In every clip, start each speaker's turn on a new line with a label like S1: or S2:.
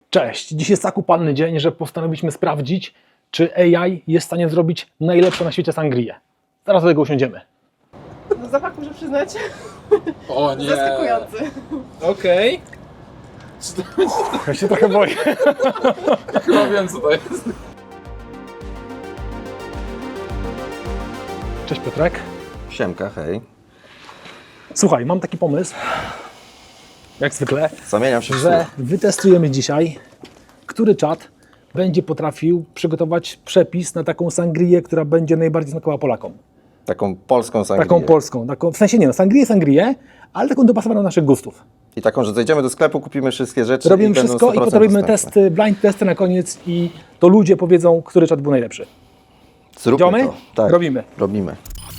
S1: Cześć! Dziś jest tak upalny dzień, że postanowiliśmy sprawdzić, czy AI jest w stanie zrobić najlepszą na świecie sangrię. Zaraz do tego usiądziemy.
S2: No zapach muszę przyznać,
S3: O nie!
S2: zaskakujący.
S3: Okej.
S1: Ja się trochę boję.
S3: Chyba wiem co to jest.
S1: Cześć Piotrek.
S4: Siemka, hej.
S1: Słuchaj, mam taki pomysł, jak zwykle,
S4: Zamieniam się w
S1: że
S4: słuch.
S1: wytestujemy dzisiaj, który czat będzie potrafił przygotować przepis na taką sangrię, która będzie najbardziej smakowała Polakom.
S4: Taką polską sangrię.
S1: Taką polską, w sensie nie no, sangrię, ale taką dopasowaną do naszych gustów.
S4: I taką, że zejdziemy do sklepu, kupimy wszystkie rzeczy
S1: Robimy
S4: i będą
S1: wszystko i
S4: 100%
S1: potem robimy
S4: dostępne.
S1: testy, blind testy na koniec i to ludzie powiedzą, który czat był najlepszy.
S4: Zróbmy
S1: Idziemy?
S4: to. Tak,
S1: Robimy.
S4: Robimy.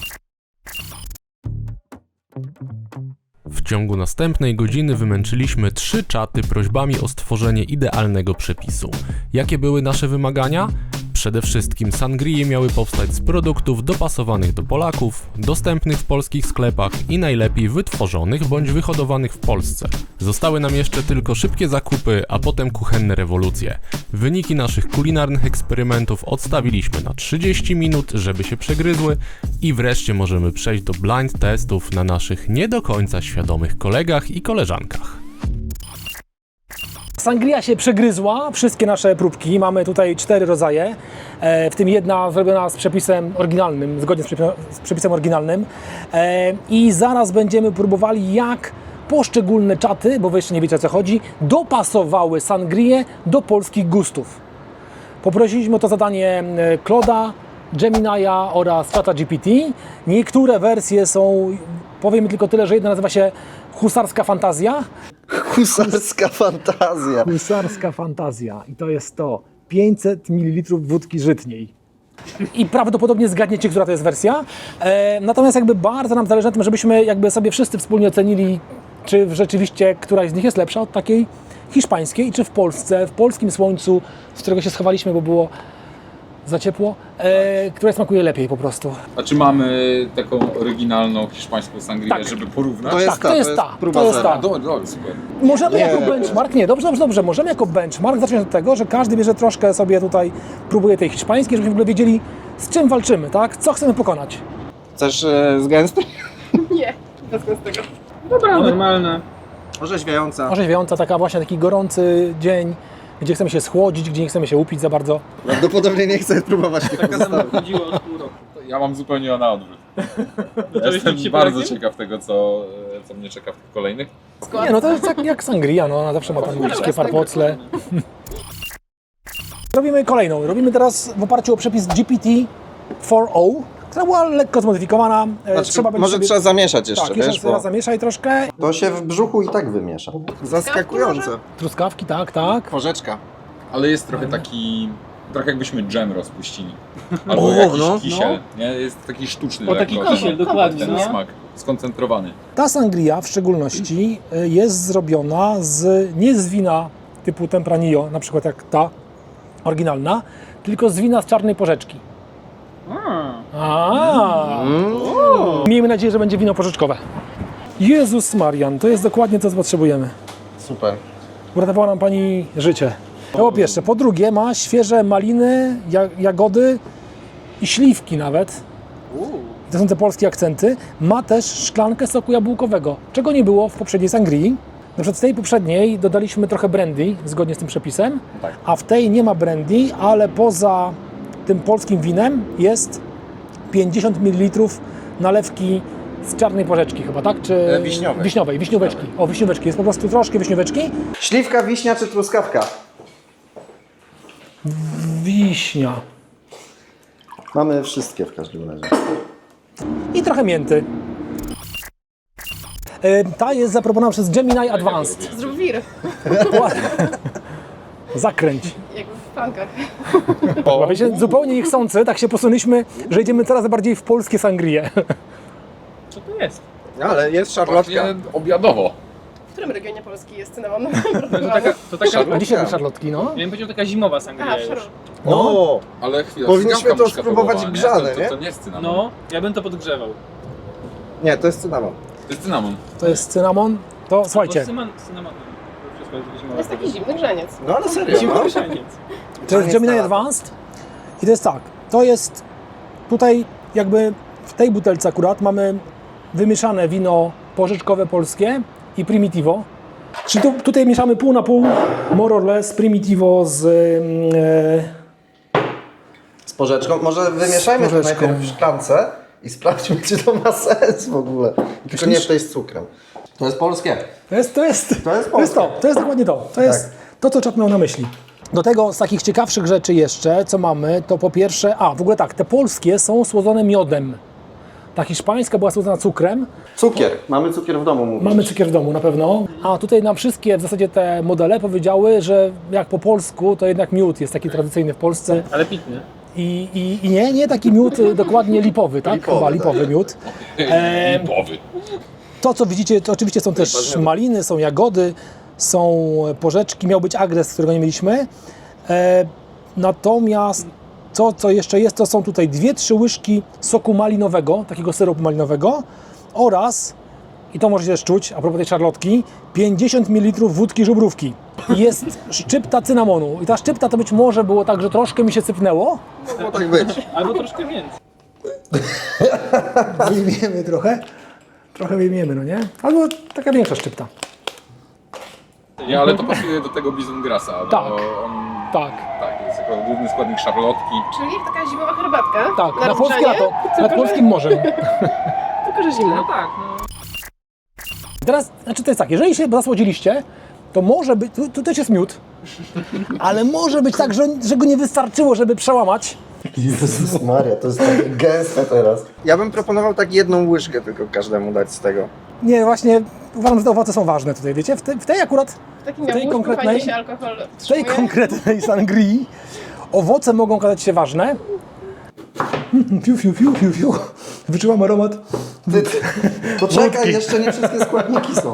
S5: W ciągu następnej godziny wymęczyliśmy 3 czaty prośbami o stworzenie idealnego przepisu. Jakie były nasze wymagania? Przede wszystkim sangrie miały powstać z produktów dopasowanych do Polaków, dostępnych w polskich sklepach i najlepiej wytworzonych bądź wyhodowanych w Polsce. Zostały nam jeszcze tylko szybkie zakupy, a potem kuchenne rewolucje. Wyniki naszych kulinarnych eksperymentów odstawiliśmy na 30 minut, żeby się przegryzły i wreszcie możemy przejść do blind testów na naszych nie do końca świadomych kolegach i koleżankach.
S1: Sangria się przegryzła, wszystkie nasze próbki, mamy tutaj 4 rodzaje, w tym jedna zrobiona z przepisem oryginalnym, zgodnie z przepisem oryginalnym i zaraz będziemy próbowali jak poszczególne czaty, bo wy jeszcze nie wiecie o co chodzi, dopasowały sangrię do polskich gustów. Poprosiliśmy o to zadanie Claude'a, Gemini'a oraz czata GPT. Niektóre wersje są, powiem tylko tyle, że jedna nazywa się Husarska Fantazja.
S4: Husarska fantazja.
S1: Husarska Fantazja i to jest to 500 ml wódki żytniej. I prawdopodobnie zgadniecie, która to jest wersja. Natomiast jakby bardzo nam zależy na tym, żebyśmy jakby sobie wszyscy wspólnie ocenili, czy rzeczywiście któraś z nich jest lepsza od takiej hiszpańskiej i czy w Polsce, w polskim słońcu, z którego się schowaliśmy, bo było za ciepło, która smakuje lepiej po prostu.
S3: A czy mamy taką oryginalną hiszpańską sangrię,
S1: Tak.
S3: żeby porównać?
S4: To jest
S1: Tak,
S4: ta,
S1: to jest ta,
S4: próba
S1: to jest
S4: zera.
S1: ta.
S3: Dobra, dobra, super.
S1: Możemy
S4: Nie.
S1: jako benchmark, nie, dobrze, możemy jako benchmark zacząć od tego, że każdy bierze troszkę sobie tutaj, próbuje tej hiszpańskiej, żebyśmy w ogóle wiedzieli, z czym walczymy, tak? Co chcemy pokonać.
S4: Chcesz z gęstej?
S2: Nie, bez tego.
S6: Dobra, normalne.
S4: Orzeźwiająca.
S1: Orzeźwiająca, taka właśnie taki gorący dzień, gdzie chcemy się schłodzić, gdzie nie chcemy się upić za bardzo.
S4: Prawdopodobnie nie chcę próbować tych
S6: Taka nam chodziła od pół roku.
S3: Ja mam zupełnie na odwrót.
S6: Zacząłeś
S3: Jestem
S6: pić się
S3: bardzo
S6: Polakiem?
S3: ciekaw tego, co mnie czeka w tych kolejnych.
S1: Nie no, to jest tak jak sangria, no ona zawsze ma tam wszystkie parpocle. Robimy kolejną, robimy teraz w oparciu o przepis GPT-4o, która była lekko zmodyfikowana.
S4: Znaczy,
S1: będzie
S4: może
S1: sobie...
S4: trzeba zamieszać jeszcze,
S1: Tak,
S4: wiesz,
S1: jeszcze
S4: bo
S1: raz zamieszaj troszkę.
S4: to się w brzuchu i tak wymiesza. Zaskakujące.
S1: Truskawki, tak.
S4: Porzeczka.
S3: Ale jest trochę taki... Trochę jakbyśmy dżem rozpuścili. Albo
S4: O,
S3: jakiś
S4: no.
S3: kisiel. Nie? Jest taki sztuczny.
S6: O, taki
S3: lekko,
S6: kisiel, dokładnie,
S3: ten
S6: no.
S3: smak. Skoncentrowany.
S1: Ta sangria w szczególności jest zrobiona nie z wina typu Tempranillo, na przykład jak ta oryginalna, tylko z wina z czarnej porzeczki. Miejmy nadzieję, że będzie wino porzeczkowe. Jezus Marian, to jest dokładnie to, co potrzebujemy.
S4: Super.
S1: Uratowała nam Pani życie. To po pierwsze. Po drugie ma świeże maliny, jagody i śliwki nawet. To są te polskie akcenty. Ma też szklankę soku jabłkowego, czego nie było w poprzedniej sangrii. Na przykład z tej poprzedniej dodaliśmy trochę brandy, zgodnie z tym przepisem,
S3: Tak.
S1: a w tej nie ma brandy, ale poza tym polskim winem jest 50 ml nalewki z czarnej porzeczki chyba, tak? Czy
S4: Wiśniowej.
S1: wiśnióweczki. O, wiśnióweczki. Jest po prostu troszkę wiśnióweczki.
S4: Śliwka, wiśnia czy truskawka?
S1: Wiśnia.
S4: Mamy wszystkie w każdym razie.
S1: I trochę mięty. Ta jest zaproponowana przez Gemini Advanced.
S2: Zrób wir,
S1: Zakręć.
S2: jak w pankach.
S1: Wiecie, zupełnie niechcący, tak się posunęliśmy, że idziemy coraz bardziej w polskie sangrie.
S6: Co to jest?
S4: Ale jest
S3: Właśnie obiadowo.
S2: W którym regionie Polski jest cynamon?
S6: To taka,
S1: A dzisiaj były szarlotki, no.
S6: miałem powiedzieć, taka zimowa sangria już.
S4: O!
S3: Ale chwila,
S4: Powinniśmy
S3: cygawka
S4: to
S3: muszka
S4: spróbować
S3: próbowała,
S4: grzane,
S3: To
S4: nie?
S3: nie jest cynamon.
S6: No, ja bym to podgrzewał.
S4: Nie, to jest cynamon.
S3: To jest cynamon.
S1: To jest cynamon. To słuchajcie,
S6: Bo cynamonem. jest
S2: To
S6: zimowa?
S2: jest taki zimny grzaniec.
S4: No ale serio, no.
S6: Zimowy grzaniec.
S1: To jest Gemini Advanced i to jest tak, to jest tutaj jakby w tej butelce akurat mamy wymieszane wino porzeczkowe polskie i Primitivo. Czyli tutaj mieszamy pół na pół, more or less, Primitivo z
S4: Z porzeczką. Może wymieszajmy to
S1: porzeczką.
S4: najpierw w szklance i sprawdźmy, czy to ma sens w ogóle. Tylko nie w tej z cukrem. To jest polskie.
S1: To jest
S4: polskie.
S1: to jest dokładnie to. To jest to, co Czap miał na myśli. Do tego z takich ciekawszych rzeczy jeszcze, co mamy, to po pierwsze, w ogóle tak, te polskie są słodzone miodem. Ta hiszpańska była słodzona cukrem.
S4: Cukier. Mamy cukier w domu, mówisz.
S1: Mamy cukier w domu na pewno. A tutaj nam wszystkie w zasadzie te modele powiedziały, że jak po polsku, to jednak miód jest taki tradycyjny w Polsce.
S6: Ale pitny.
S1: I nie taki miód dokładnie lipowy, tak?
S4: Lipowy,
S1: Chyba
S4: tak.
S1: lipowy miód.
S3: Lipowy.
S1: To, co widzicie, to oczywiście są też maliny, są jagody, są porzeczki, miał być agres, którego nie mieliśmy. Natomiast to, co jeszcze jest, to są tutaj 2-3 łyżki soku malinowego, takiego syropu malinowego oraz, i to możecie też czuć, a propos tej szarlotki, 50 ml wódki żubrówki. I jest szczypta cynamonu. I ta szczypta to być może było tak, że troszkę mi się sypnęło.
S4: Mogło tak być.
S6: Albo troszkę więcej.
S1: Wyjmiemy trochę. Trochę wyjmiemy, no nie? Albo taka większa szczypta.
S3: Nie, ale to pasuje do tego Bizongrasa. bo
S1: Tak.
S3: On,
S1: Tak.
S3: tak, jest jako główny składnik szarlotki.
S2: Czyli taka zimowa herbatka.
S1: Tak, na polskie
S2: rozgrzanie,
S1: lato, nad
S2: tylko,
S1: polskim morzem.
S2: Tylko, że zimna.
S6: No tak, no.
S1: Teraz, znaczy to jest tak, jeżeli się zasłodziliście, to może być, tu też jest miód, ale może być tak, że go nie wystarczyło, żeby przełamać.
S4: Jezus Maria, to jest takie gęste teraz. Ja bym proponował tak jedną łyżkę tylko każdemu dać z tego.
S1: Nie, właśnie uważam, że te owoce są ważne tutaj, wiecie? W tej akurat,
S2: W takim
S1: tej
S2: jabłuszku
S1: konkretnej-
S2: fajnie się alkohol
S1: w tej
S2: wstrzymuje.
S1: konkretnej sangrii owoce mogą okazać się ważne. Fiu, fiu, fiu, fiu, fiu. Wyczułam aromat.
S4: To czekaj, jeszcze nie wszystkie składniki są.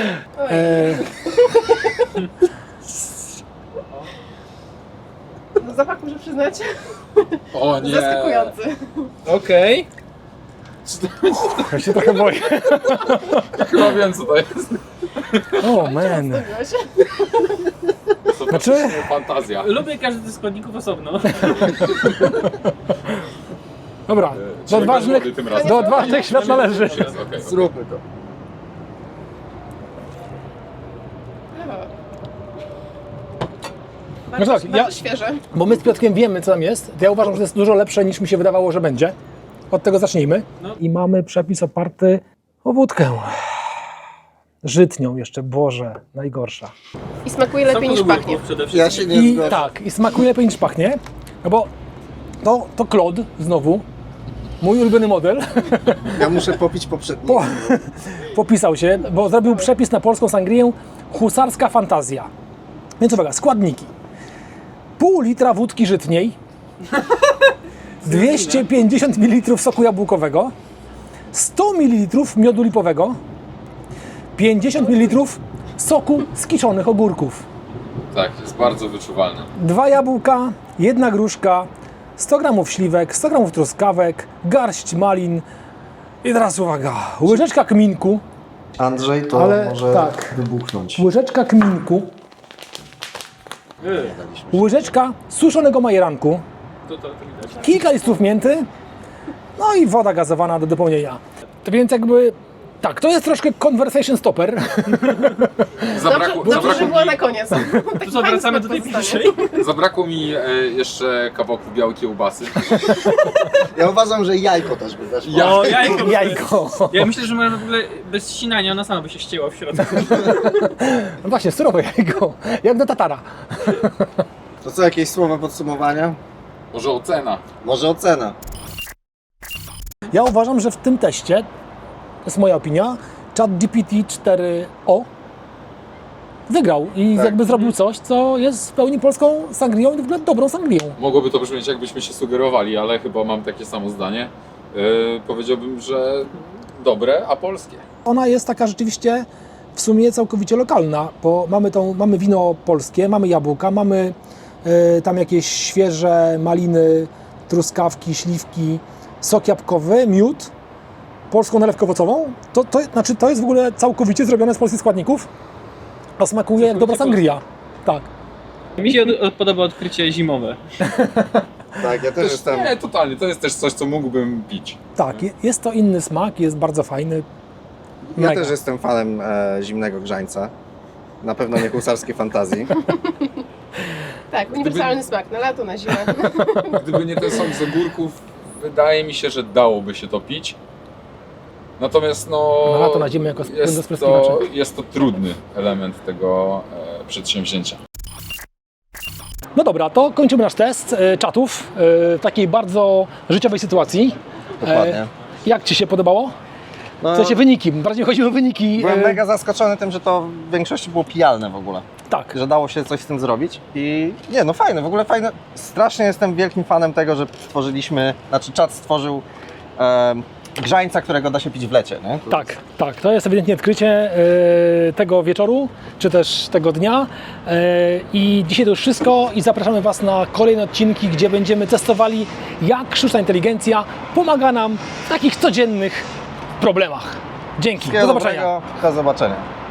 S2: No, zapach muszę przyznać,
S3: O nie!
S2: zaskakujący.
S6: Okej.
S1: Ja się trochę boję.
S3: Chyba wiem co to jest.
S1: O, man.
S2: Zdobiłeś.
S3: To
S1: Znaczy?
S3: faktycznie fantazja.
S6: Lubię każdy ze składników osobno.
S1: Dobra, do
S3: Czyli
S1: odważnych,
S3: bez wody tym razem.
S1: do odważnych świat należy.
S3: Jest, okej.
S4: Zróbmy to.
S2: Bardzo,
S1: No tak,
S2: bardzo
S1: ja-
S2: świeże.
S1: Bo my z Piotrkiem wiemy, co tam jest. Ja uważam, że to jest dużo lepsze, niż mi się wydawało, że będzie. Od tego zacznijmy.
S6: No.
S1: I mamy przepis oparty o wódkę. Żytnią jeszcze, Boże, najgorsza.
S2: I smakuje lepiej niż pachnie.
S6: Przede wszystkim.
S4: Ja się nie
S1: I
S4: zgadzam.
S1: tak, i smakuje lepiej niż pachnie. No bo to Claude, znowu, mój ulubiony model,
S4: Ja muszę popić poprzedni.
S1: popisał się, bo zrobił przepis na polską sangrię Husarska Fantazja. Więc uwaga, składniki. Pół litra wódki żytniej, 250 ml soku jabłkowego, 100 ml miodu lipowego, 50 ml soku z kiszonych ogórków,
S3: Tak, jest bardzo wyczuwalne.
S1: 2 jabłka, 1 gruszka, 100 g śliwek, 100 g truskawek, garść malin i teraz uwaga, łyżeczka kminku,
S4: Andrzej to
S1: Ale
S4: może
S1: tak.
S4: wybuchnąć.
S1: łyżeczka kminku, łyżeczka suszonego majeranku,
S6: To widać.
S1: kilka listów mięty, no i woda gazowana do dopełnienia. To więc jakby, tak, to jest troszkę conversation stopper.
S2: Dobrze, że była na koniec.
S6: To co, wracamy do tej pierwszej?
S3: Zabrakło mi jeszcze kawałków białej kiełbasy.
S4: Ja uważam, że jajko też by weszło.
S3: Ja-
S6: O, jajko.
S1: Jajko.
S6: Ja myślę, że może w ogóle bez ścinania ona sama by się ścięła w środku.
S1: No właśnie, surowe jajko, jak do tatara.
S4: To co, jakieś słowa podsumowania?
S3: Może ocena.
S4: Może ocena.
S1: Ja uważam, że w tym teście, to jest moja opinia, ChatGPT 4o wygrał i
S4: Tak.
S1: jakby zrobił coś, co jest w pełni polską sangrią i w ogóle dobrą sangrią.
S3: Mogłoby to brzmieć jakbyśmy się sugerowali, ale chyba mam takie samo zdanie. Powiedziałbym, że dobre, a polskie.
S1: Ona jest taka rzeczywiście w sumie całkowicie lokalna, bo mamy wino polskie, mamy jabłka, mamy tam jakieś świeże maliny, truskawki, śliwki, sok jabłkowy, miód, polską nalewkę owocową. To jest w ogóle całkowicie zrobione z polskich składników. A smakuje jak dobra sangria. Tak.
S6: Mi się podoba odkrycie zimowe.
S4: Tak, ja też jestem...
S3: Nie, totalnie. To jest też coś, co mógłbym pić.
S1: Tak, jest to inny smak, jest bardzo fajny.
S4: Ja
S1: Mega.
S4: też jestem fanem zimnego grzańca. Na pewno nie husarskiej fantazji.
S2: Tak, uniwersalny smak na lato, na zimę.
S3: Gdyby nie ten sok z ogórków, wydaje mi się, że dałoby się to pić. Natomiast no...
S1: Na lato, na zimę jako płyn do spryskiwaczy.
S3: jest to trudny element tego przedsięwzięcia.
S1: No dobra, to kończymy nasz test czatów w takiej bardzo życiowej sytuacji.
S4: Dokładnie.
S1: Jak Ci się podobało?
S4: No,
S1: W sensie wyniki, bardziej chodzi o wyniki.
S4: byłem mega zaskoczony tym, że to w większości było pijalne w ogóle.
S1: Tak,
S4: Że dało się coś z tym zrobić i nie, no fajne, w ogóle fajne. Strasznie jestem wielkim fanem tego, że stworzyliśmy, znaczy czat stworzył grzańca, którego da się pić w lecie, nie? To
S1: tak, tak. To jest ewidentnie odkrycie tego wieczoru, czy też tego dnia. I dzisiaj to już wszystko i zapraszamy Was na kolejne odcinki, gdzie będziemy testowali, jak sztuczna inteligencja pomaga nam w takich codziennych problemach. Dzięki, do
S4: Wszystkiego
S1: zobaczenia.
S4: dobrego, do zobaczenia.